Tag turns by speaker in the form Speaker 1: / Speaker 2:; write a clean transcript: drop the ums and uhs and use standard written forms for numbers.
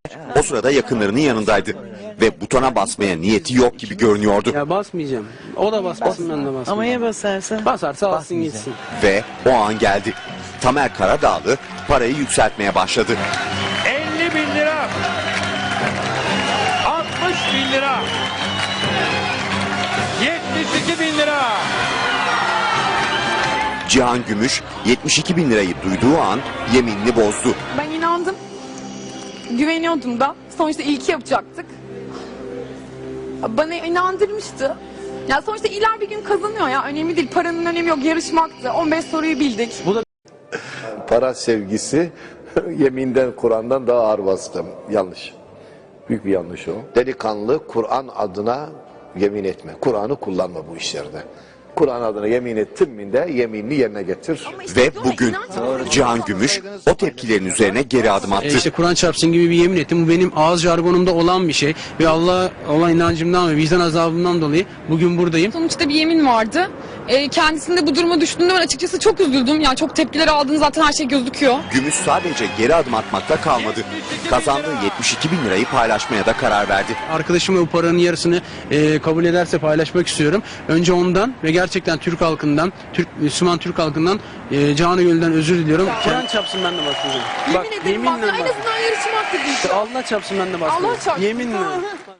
Speaker 1: O sırada yakınlarının yanındaydı ve butona basmaya niyeti yok gibi görünüyordu.
Speaker 2: Ya basmayacağım. O da basmasın, ben de basmayacağım.
Speaker 3: Ama ya basarsa?
Speaker 2: Basarsa alsın gitsin.
Speaker 1: Ve o an geldi. Tamer Karadağlı parayı yükseltmeye başladı.
Speaker 4: 50.000 lira. 60.000 lira. 72.000 lira.
Speaker 1: Cihan Gümüş 72 bin lirayı duyduğu an yeminini bozdu.
Speaker 5: Ben inandım. Güveniyordum da. Sonuçta ilki yapacaktık. Bana inandırmıştı. Ya sonuçta iler bir gün kazanıyor ya. Önemli değil. Paranın önemi yok. Yarışmaktı. 15 soruyu bildik.
Speaker 2: Bu da
Speaker 6: Para sevgisi yeminden, Kur'an'dan daha ağır vasıta. Yanlış. Büyük bir yanlış o. Delikanlı Kur'an adına yemin etme. Kur'an'ı kullanma bu işlerde. Kur'an adına yemin ettin mi de yeminini yerine getir.
Speaker 1: Ve bugün Cihan Gümüş o tepkilerin üzerine geri adım attı.
Speaker 2: işte Kur'an çarpsın gibi bir yemin ettim. Bu benim ağız jargonumda olan bir şey. Ve Allah'a olan inancımdan ve vicdan azabımdan dolayı bugün buradayım.
Speaker 7: Sonuçta bir yemin vardı. Kendisinde bu duruma düştüğünde ben açıkçası çok üzüldüm. Yani çok tepkiler aldığını zaten her şey gözüküyor.
Speaker 1: Gümüş sadece geri adım atmakta kalmadı. Kazandığı 72 bin lirayı paylaşmaya da karar verdi.
Speaker 2: Arkadaşım bu paranın yarısını kabul ederse paylaşmak istiyorum. Önce ondan ve gerçekten Türk halkından, Müslüman Türk halkından canı gönülden özür diliyorum. Kur'an çarpsın, ben de basmayacağım.
Speaker 5: Yemin ederim bak. En azından yarışmaktı diyeceğim.
Speaker 2: Allah çarpsın, ben de basmayacağım.
Speaker 5: Allah çarpsın.
Speaker 2: Yeminle.